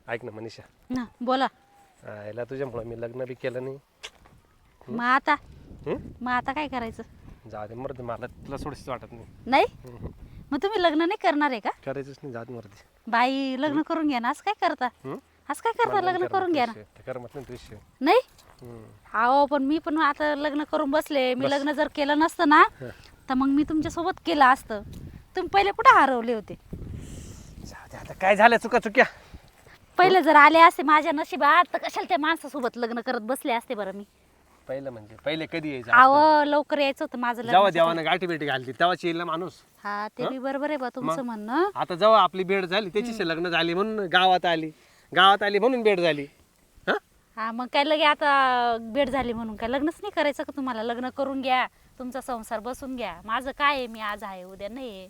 ऐक ना मनीषा, ना बोला. याला तुझ्यामुळे मी लग्न बी केलं नाही. मग आता हं? मग आता काय करायचं? जाऊ दे मरते, मला तुला सोडशीच वाटत नाही. नाही मग तुम्ही लग्न नाही करणार आहे का? करायचंच नाही, जाऊ दे मरते. बाई लग्न करून घ्या ना. असं काय करता? असं काय करता? लग्न करून घ्या ना. करमत नाही तुझ्याशी. नाही अहो पण मी पण आता लग्न करून बसले. मी लग्न जर केलं नसतं ना तर मग मी तुमच्या सोबत केलं असतं. तुम्ही पहिले कुठे हरवले होते? जाऊ दे आता, काय झालं चुक्या. पहिले जर आले असते माझ्या नशिबात तर कशाला त्या माणसासोबत लग्न करत बसले असते बरं मी. पहिलं म्हणजे पहिले कधी यायचं? अहो लवकर यायचं होतं माझं जेव्हा लग्न. देवानं गाठी बेटी घालती तेव्हाच येईल ना माणूस. हा ते बी बरोबर आहे बा तुमचं म्हणणं. आता जेव्हा आपली भेट झाली त्याची लग्न झाली म्हणून गावात आली म्हणून भेट झाली. हा मग काय लगे आता भेट झाली म्हणून काय लग्नच नाही करायचं का तुम्हाला? लग्न करून घ्या, तुमचा संसार बसून घ्या. माझं काय आहे, मी आज आहे उद्या नाही.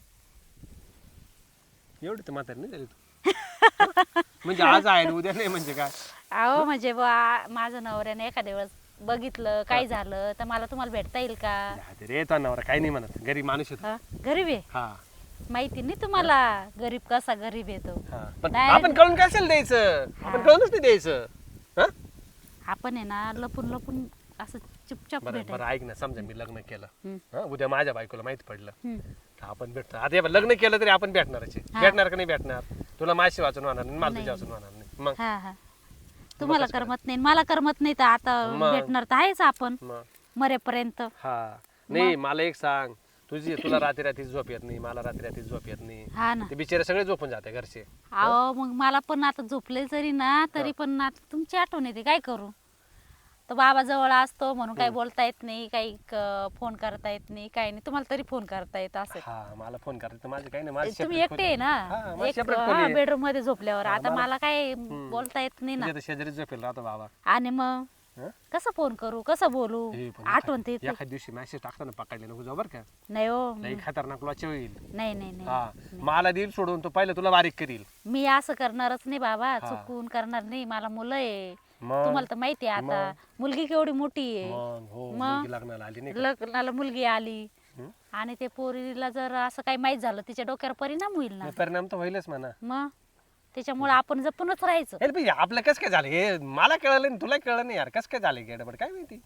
एवढी तर म्हातारी नाही झाली तू. म्हणजे आज आहे उद्या नाही म्हणजे काय? अहो म्हणजे बा माझं नवऱ्याने एखाद्या वेळेस बघितलं काय झालं तर मला तुम्हाला भेटता येईल का? रे तो नवरा काही नाही म्हणत, गरीब माणूस येतो. हा, गरीब आहे. हा माहिती नाही तुम्हाला गरीब कसा गरीब येतो? पण नाही. आपण कळून कशाला द्यायचं? आपण कळूनच नाही द्यायचं. हा? आपण आहे ना लपून लपून असं चुपचाप बरं भेटायचं. बरं ऐक ना, समजा मी लग्न केलं, हम्म. हा, उद्या माझ्या बायकोला माहिती पडलं हम्म. तर आपण भेटतो. आता हे बघ, लग्न केलं तरी आपण भेटणारच आहे. भेटणार का नाही भेटणार? तुला माझी वाचून होणार नाही, मला तुझ्या वाचून होणार नाही. मग हा हा तुम्हाला करमत नाही मला करमत नाही तर आता मग. भेटणार तर आहेच आपण मग मरेपर्यंत. हा नाही, मला एक सांग, तुला रात्री झोप येत नाही, मला रात्री झोप येत नाही. हा ना. ते बिचारे सगळे झोपून जाते घरचे. अहो मग मला पण आता झोपले जरी ना तरी पण आता तुमची आठवण येते. काय करू? तर बाबा जवळ असतो म्हणून काही बोलता येत नाही, काही फोन करता येत नाही, काही नाही. तुम्हाला तरी फोन करता येत असं. हा मला फोन करायचं माझं काही नाही, माझी तुम्ही separate एकटे आहे खोली. हा, ना माझी एक separate खोली आहे. बेडरूम मध्ये झोपल्यावर. हा, आता मला काय बोलता येत नाही ना. तुझ्या तर शेजारी झोपेल राहतो बाबा. आणि मग हं? कसं फोन करू, कसं बोलू? हे पण आठवण तर येते. एखाद्या दिवशी मेसेज टाकताना पकडले नको जाऊ बरं का, नाही हो. लई खतरनाक वाचे होईल. नाही नाही नाही हा मला देईल सोडून, तो पहिलं तुला बारीक करील. मी असं करणारच नाही बाबा. चुकून करणार नाही. मला मुलं आहे, मग तुम्हाला तर माहिती आहे. आता मुलगी केवढी मोठी आहे. मग हो मग? मुलगी लग्नाला आली नाही का? लग्नाला मुलगी आली हं? आणि ते पोरीला जर असं काही माहित झालं तिच्या डोक्यावर परिणाम होईल ना. नाही, परिणाम तर होईलच म्हणा. मग त्याच्यामुळे आपण जपूनच राहायचं. अरे भाई आपलं कसं काय झालं हे मला कळलं नाही, तुला कळलं नाही यार, कसं काय झालं गडबड काय माहिती.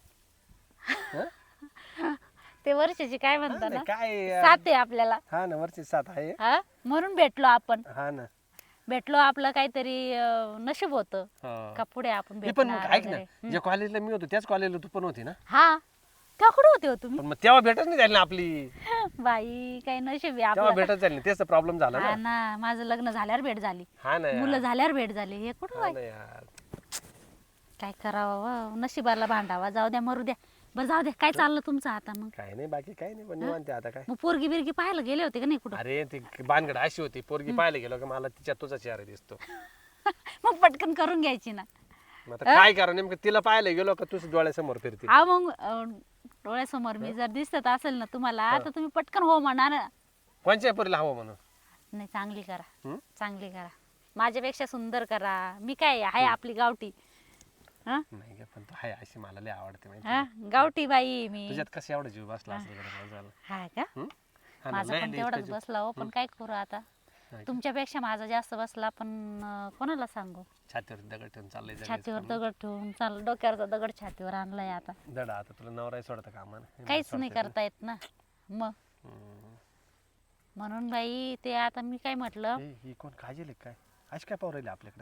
ते वर्षाची काय हा म्हणता ना, ना, काय यार. साथ आहे आपल्याला. हा ना, वरची साथ आहे. हा म्हणून भेटलो आपण. हा ना. भेटलो, आपलं काहीतरी नशीब होतं हा. का पुढे आपण मी पण भेटणार ऐक ना, वगैरे. ज्या कॉलेजला मी होतो त्याच कॉलेजला तू पण होती ना. हा तेव्हा कुठे होते हो तुम्ही? पण मग तेव्हा भेटच नाही झाली ना आपली. बाई काही नशीब आहे तेव्हा आपलं. भेटच झाली नाही, तेच प्रॉब्लेम झाला हा ना. ना, माझं लग्न झाल्यावर भेट झाली, हा ना यार. मुलं झाल्यावर भेट झाली. हे कुठं हा बाई? ना यार. काय करावं, नशिबाला भांडावा. जाऊ द्या, मरू द्या. बरं जाऊ द्या. काय चाललं तुमचं आता मग? काही नाही बाकी काही नाही, पण निवांत आहे आता काय. मग पोरगी बिरगी पाहायला गेले होते का नाही कुठं? अरे ती बानगड अशी होती, पोरगी पाहायला गेलो की मला तिच्या तुझा चेहरा दिसतो. मग पटकन करून घ्यायची ना. मग आता काय करा, नेमकं तिला पाहायला गेलो का तुझ्या डोळ्यासमोर फिरते. हा मग डोळ्यासमोर मी जर दिसत असेल ना तुम्हाला तर तुम्ही पटकन हो म्हणा ना. कोणच्या पोरीला हवं म्हणून? नाही चांगली करा, हं? चांगली करा. माझ्यापेक्षा सुंदर करा. मी काय आहे आपली गावठी. हा नाही ग, पण तू हाय अशी मला लय आवडते माहिती हा आहे. गावठी बाई मी. तुझ्यात कसं एवढं जीव बसला असेल गड्या माझा. हा का? हं? हा ना, माझा लय पण लय तेवढाच इतका बसला हो. पण काय करू आता, जीव. तुमच्यापेक्षा माझा जास्त बसला. पण कोणाला सांगू? छातीवर दगड ठेवून चाललंय जगायचं छातीवर काम. दगड ठेवून चाल, डोक्यावरचा दगड छातीवर आणलाय आता. दडा आता तुला नवरा सोडता कामा काहीच नाही करता येत ना मग. म्हणून बाई ते आता मी काय म्हटलं, ही कोण काजल काय आज काय पाहू राहिली आपल्याकडे?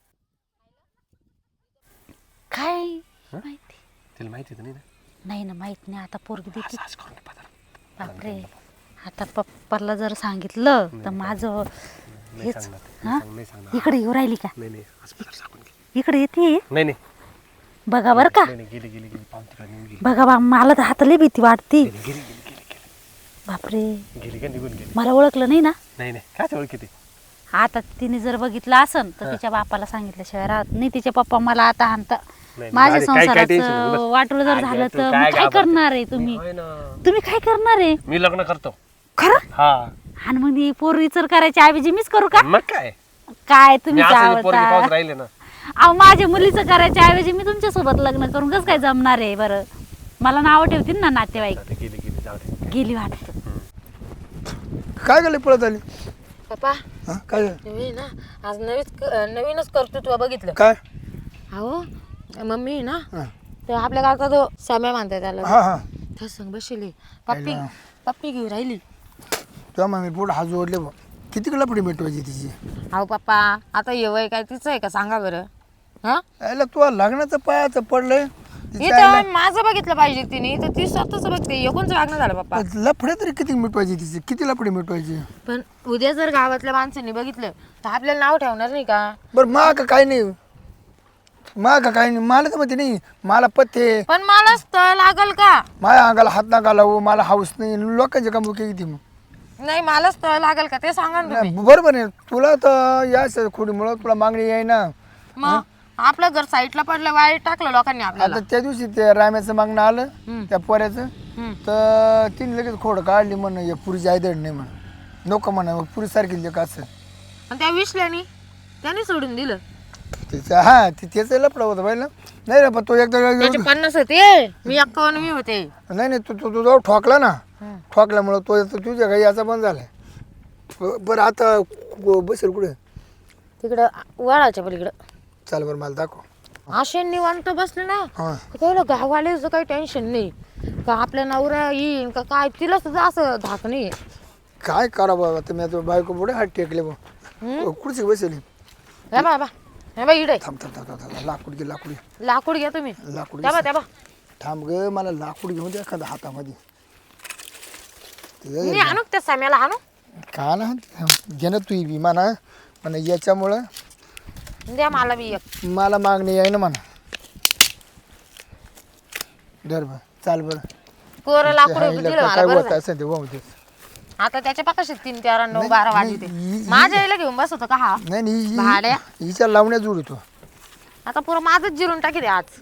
काय हं? माहिती तिला माहिती तर नाही ना. नाही ना, माहित नाही. आता पोरगी देते. आज करून घे पदर. बापरे, आता पप्पाला जर सांगितलं तर माझं नाही हेच. सांगणार, हा? नाही सांगणार. इकडे येऊ राहिली का? नाही नाही, आज पदर सांगून घे. इकडे येते. नाही नाही बघा बर का. नाही नाही, गेली गेली गेली पाहून तिकडे निघून गेली. बघा बा, मला तर हाताला भीती वाटती. गेली गेली गेली गेली गेली बापरे, गेली का निघून गेली. मला ओळखलं नाही ना. नाही नाही, काय ओळखी ती? आता तिने जर बघितलं असन तर तिच्या बापाला सांगितल्याशिवाय राहत नाही. तिचे पप्पा मला आता हाणता. नाही, माझ्या अरे, काय- काय tension नाही, संसाराचं बस. वाटोळ जर अगं, झालं तू तर काय मग काय घाबरते? करणार आहे तुम्ही? होय ना. तुम्ही काय करणार आहे? मी लग्न करतो. खरं? हा आणि मग ही पोरी विचार करायच्या ऐवजी मीच करू का? मग काय, काय मी तुम्ही असं पोरगी पाहून राहिले ना. अहो माझ्या मुलीचं करायच्या ऐवजी मी तुमच्या सोबत लग्न करून कसं काय जमणार आहे बरं? मला नाव ठेवतील ना नातेवाईक. जाऊ दे, गेली गेली जाऊ दे. गेली वाटत. काय गेले पळत आली? पप्पा हा काय तुम्ही ना आज नवीनच कर्तृत्व बघितलं. काय अहो मम्मी ना हा तर आपल्या गावचा तो सम्या मानताय त्याला हा हा त्या संग बसली पप्पी घेऊन राहिली. तुझ्या मम्मी पुढे हात जोडले बा किती लपडी मिटवायची तिची अहो पप्पा आता ये वय काय तिचं आहे का सांगा बरं. हा यायला तुला लग्नाचं पायाचं पडलंय इथं माझं बघितलं पाहिजे तिने तर ती स्वतःच बघते एकोणचं वागणं झालं पप्पा. लफडे तरी किती मिटवायची तिची किती लफडी मिटवायची पण उद्या जर गावातल्या माणसांनी बघितलं तर आपल्याला नाव ठेवणार नाही का. बरं का काय नाही काय नाही मला तर माहिती नाही मला पथ्ये पण मला स्थळ लागल का. माझ्या अंगाला हात नाका लावू मला हाऊस नाही लोकांची का मुख्य किती मग नाही मला स्थळ लागल का ते सांगा ना तुम्ही. बरोबर आहे तुला तर या खोडीमुळं तुला मागणी आहे ना. मग आपलं घर साईडला पडलं वाईट टाकलं लोकांनी आपल्याला. आता त्या दिवशी ते राम्याचं मागणं आलं त्या पोऱ्याचं तर तिने लगेच खोड काढली म्हण या पुरीची आयदड नाही म्हण नको म्हणा मग पुरी सारखी लेख असं आणि त्या विसल्यानी त्याने सोडून दिलं. त्याचं हा त्याचं लपडा होतं पाहिलं नाही रे पण तो एकदा त्याचे 50 होते मी 51 मी होते. नाही तू जाऊ ठोकला ना ठोकल्यामुळं तो तुझ्या काही याचा बंद झालाय. बरं आता बसेल कुठे तिकडं वळाच्या पलीकडं. चाल बरं मला दाखव असे निवांत बसले ना हां कळलं गाववाल्याचं काही टेन्शन नाही का आपल्या नवरा येईन का काय तिला सुद्धा असं धाक नाही. काय करा बाबा तुम्ही आता बायको पुढे हात टेकले बा कुठची बसेल हे बाबा हे बा इडे थांब थांब थांब थांब लाकूड घे लाकूड घ्या तुम्ही. लाकूड त्या बा त्या बा थांब ग मला लाकूड घेऊन दे एखादा हातामध्ये मी आणू त्या साम्याला आणू का ना घे ना तू बी म्हणा म्हणा याच्यामुळं द्या मला बी एक. मला मागणी आहे ना म्हणा धर बरं चाल बरं कोरं लाकूड हाय, दिलं लका मला काय बरं होत झालं. असेल ते वाहू दे. आता त्याच्या पाकाशी 3 4 9 12 वाजते माझ्या आईला घेऊन बसतो का हा नाही नाही भाड्या हिच्या लावण्यात जोडतो आता पुरं माझंच जिरून टाकी दे आज.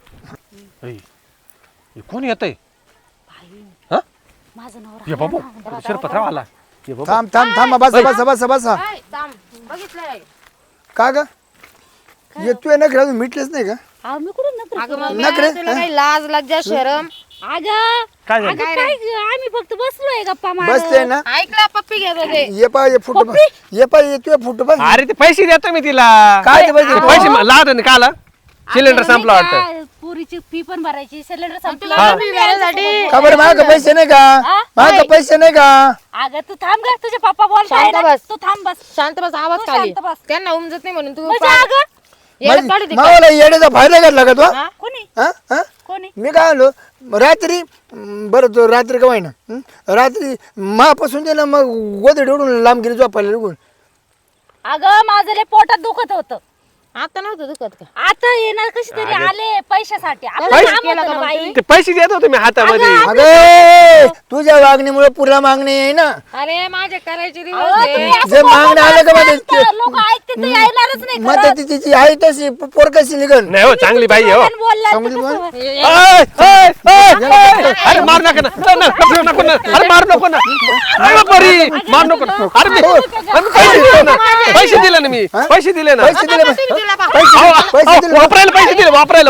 कोण येतंय हा माझं नवरा ये बाबू शिरपतराव आला ये बाबू थांब थांब थांब बसा काय थांब, बघितलंय का ग येतोय ना घरातून मिटलेच नाही का अहो मी कुठून नकर अगं मम्मी, नखरे? तुला काही लाज लज्जा शरम अगं काय झालं अगं काय ग, आम्ही फक्त बसलोय गप्पा बसले मारत. ना ऐकला पप्पी घेत होते. ये पा ये फुट ये पा येतोय फुट बस अरे ते पैसे देतो मी तिला काय ते पैसे? पैसे लावतो ना काला सिलेंडर आता संपला नाही वाटतं का, पुरीची फी पण भरायची सिलेंडर संपला तुला पप्पी भरायसाठी का बरं माझ्या पैसे नाही का माझ्या पैसे नाही का अगं तू थांब ग तुझे पप्पा बोलताय शांत ना. बस. तू थांब बस शांत बस आवाज तू खाली शांत बस. त्यांना उमजत नाही म्हणून तू म्हणजे अगं येडत काढू दे. मावाला येण्याचा फायदा घातला का तो हा? कोणी हा? हा? कोणी मी काय आलो रात्री बरं तो रात्री का ना रात्री मापासून दे ना मग गोदडी उडून लांब गेली झोपायला निघून अगं माझं लय पोटात दुखत होतं आता नव्हतं दुखत का. आता येणार कशी तरी आले पैशासाठी आपलं पैसे काम केलं होतं का ना मग बाई. ते पैसे देत होते मी हातामध्ये अगे तुझ्या वागणीमुळे पुरा मागणी आहे ना अरे माझे करायचे दिवस अहो, आहे. तुम्ही असं जे मागणं आलं का बोलताय, मध्ये लोक ऐकते तर येणारच नाही मग खरंच. ती तिची आहे तशी पोर कशी निघन नाही हो चांगली बाई आहे, हो पण बोलला तर समजली कसं पण? होईल? ओय, ओय, ओय, ओय. अरे मार नका ना नको ना अरे मार नको ना अरे बरी मार नको ना अरे पैसे दिले ना पैसे दिले ना पैसे दिले किती दिला बा? पैसे दिले वापरायला पैसे दिले वापरायला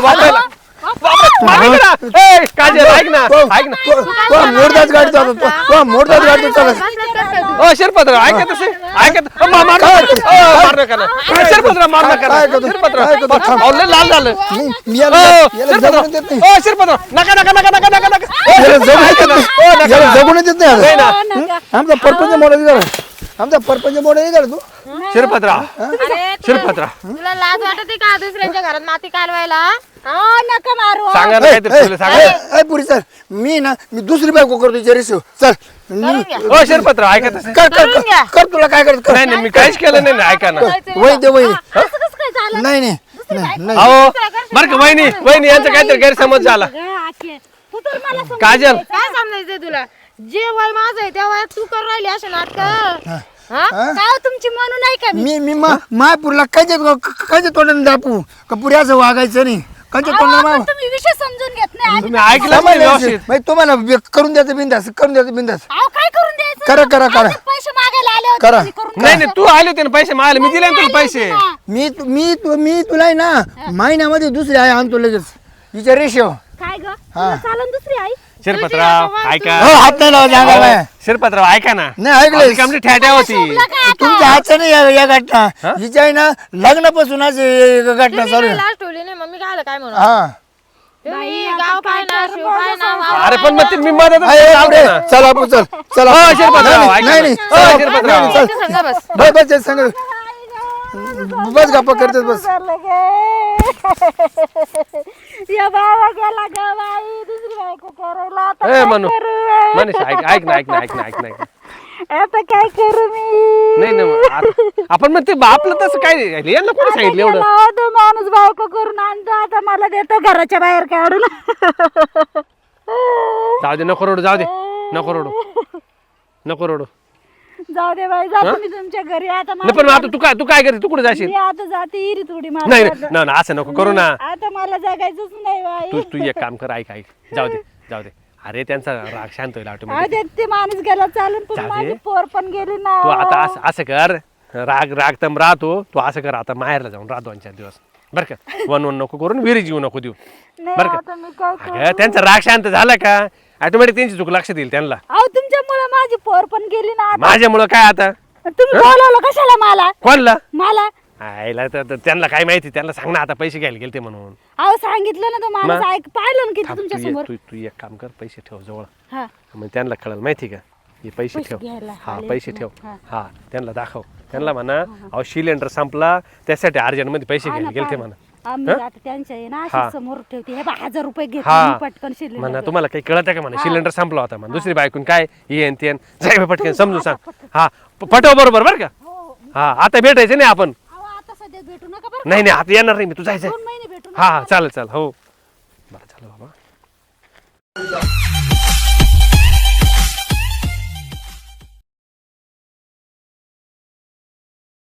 काजल ऐक ना ऐक ना तो मोडदाच गाडी चालवतो तो मोडदाच गाडी चालवतो ओ शिरपत्र ऐकत असे ऐकत मार नका ना शिरपत्र मार नका ना शिरपत्र लय लाल झालं मी याला जगून देत नाही ओ शिरपत्र नका नका नका नका नका नका याला जगून देत नाही नाही आता. ना नका. आमचा परपंच मोडा झाला आमचा परपंच मोडा नाही झाला तू शिरपत्रा अरे शिरपत्रा तुला लाज वाटते का दुसऱ्यांच्या घरात माती कालवायला. हा, नका मारू सांगा ना काहीतरी तुला सांगा पुरी सर मी दुसरी बायको करतो विचारिस चल करून घ्या. ओ शिरपत्र ऐकत असे कर तुला काय करत कर नाही नाही मी काहीच केलं नाही ना ऐका ना वही दे वही असं कसं काय झालं नाही नाही नाही अहो बरं का वहिनी वहिनी यांचा काहीतरी गैरसमज झाला गं, आखे. तू तर मला समजून काजल घ्यायचं. काय समजायचंय तुला जे वय माझं आहे त्या वयात तू करून राहिली असे नाटक. काय हो तुमची म्हणू नाही का मी मी मायपूरला कायच्या तोंडाने दापू का पुरी असं वागायचं नाही कायच्या अहो, तोंडाने पण तुम्ही विषय समजून घेत नाही आधी. तुम्ही ऐकलं पाहिजे व्यवस्थित तुम्हाला करून द्यायचं बिंदास करून द्यायचं बिंदास अहो, काय करून द्यायचं करा, करा, करा. आधी पैसे मागायला आले होते करा. तुम्ही करून नाही नाही तू आले होते ना पैसे मागले मी दिले ना तुला पैसे मी तुला आहे ना महिन्यामध्ये दुसरी आहे आणतो लगेच विचार रेशो काय ग तुला चालन दुसरी आई शिरपतराव ऐका हो हात नाही लावा सांगायला शिरपतराव ऐका ना नाही ऐकलं कमली ठ्याट्या होती तुमच्या हातचं नाही या घटना हिच्या आहे ना लग्नापासून आज ही घटना चालू आहे. लास्ट ठेवली नाही मम्मी काय म्हणून हा तुम्ही गाव काय ना शिव काय ना अरे पण मग मी मदत आहे, पुढे. चल आपण चल चल हो, आपण. शिरपतराव, नाही, ऐका नाही ना. नाही. हो, चल, शिरपतराव. नाही, चल. सांगा बस बस बस सांग बस गप्पा करतेस बस या बाबा गेला ग बाई दुसरी बायको करायला आता ए मनू मनीष ऐक ना आता काय करू मी नाही ना मग आपण मग ते आपलं तसं काय नाही. यांना कोणी सांगितलं एवढं गेला तो माणूस बायको करून आणतो आता मला देतो घराच्या बाहेर काढून जाऊ दे नको रडू नको रडू जाऊ दे बाई जातो मी तुमच्या घरी आता नाही पण मग आता तू काय करते तू कुठे जाशील मी आता जाते इरी थोडी नाही मला नाही ना असं नको करू ना आता मला जगायचंच नाही बाई तू एक काम कर ऐक जाऊ दे अरे त्यांचा राग शांत होईल अहो, ऑटोमॅटिक ते माणूस गेला चालून पण जाऊ दे. माझी पोर पण गेली ना तू आता असं कर राग तम राहतो तू असं कर आता माहेरला जाऊन राहतो 2-4 दिवस बरं का वन नको करून विहिरी जीव नको देऊ नाही, बरं आता मी काय का अगं, त्यांचा राग शांत झाला का ऑटोमॅटिक त्यांची चूक लक्ष देईल त्यांना अहो तुमच्यामुळे माझी पोर पण गेली ना आता. माझ्यामुळं काय आता तुम्ही बोलावलं कशाला मला कोणला मला आईला तर त्यांना काय माहिती त्यांना सांग ना आता पैसे घ्यायला गेलते म्हणून अहो सांगितलं ना तो माणूस ऐक पाहिलं ना किती थांब, तुमच्या तू समोर तू एक काम कर पैसे ठेव जवळ हा मग त्यांना कळलं माहिती का हे पैसे पैसे ठेव घ्यायला हा आले पैसे ना. ठेव हा. हा त्यांना दाखव त्यांना म्हणा अहो सिलेंडर संपला त्यासाठी अर्जंट मध्ये पैसे हा घ्यायला ना, गेलते पाहा. म्हणा आम्ही आता त्यांच्या आहे ना हा. अशी समोर ठेवते हे 1000 रुपये घेतले हा मी पटकन शिल्लक म्हणा लागले. तुम्हाला काही कळत आहे का म्हणा सिलेंडर संपला होता म्हणा दुसरी बायकून काय येन तेन जाय बा पटकन समजून सांग हा पटव बरोबर बरं का हा आता भेटायचं नाही आपण अहो आता सध्या भेटू नका बरं नाही आता येणार नाही मी तू जायचं 2 महिने भेटू हा चालेल हो बरं झालं बाबा